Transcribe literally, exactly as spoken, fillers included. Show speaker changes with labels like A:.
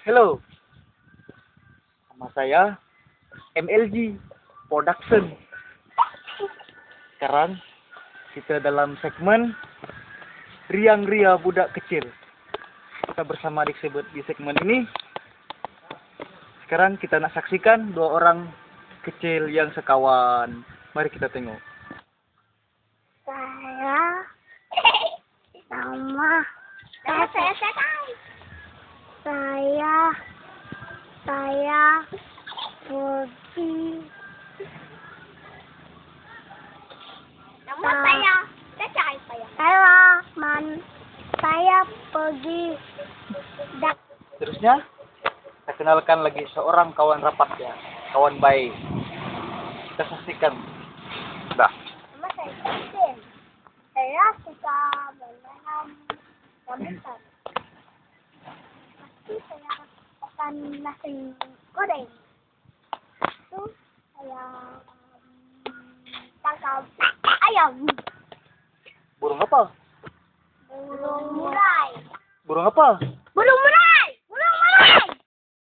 A: Hello, sama saya M L G Production. Sekarang kita dalam segmen Riang Ria Budak Kecil. Kita bersama adik sebut di segmen ini. Sekarang kita nak saksikan dua orang kecil yang sekawan. Mari kita tengok.
B: Saya sama
C: Nama saya siapa?
B: saya saya pergi
C: Nama
B: Ah.
C: saya Caca saya.
B: saya man saya pergi dak
A: Terusnya, kita kenalkan lagi seorang kawan rapat ya, kawan baik. Kita saksikan. Dah.
B: nama saya Justin. Saya suka menanam rambutan. Pasti saya akan nasi goreng. Itu saya mm, tangkap ayam.
A: Burung apa?
B: Burung murai.
A: Burung apa?
B: Burung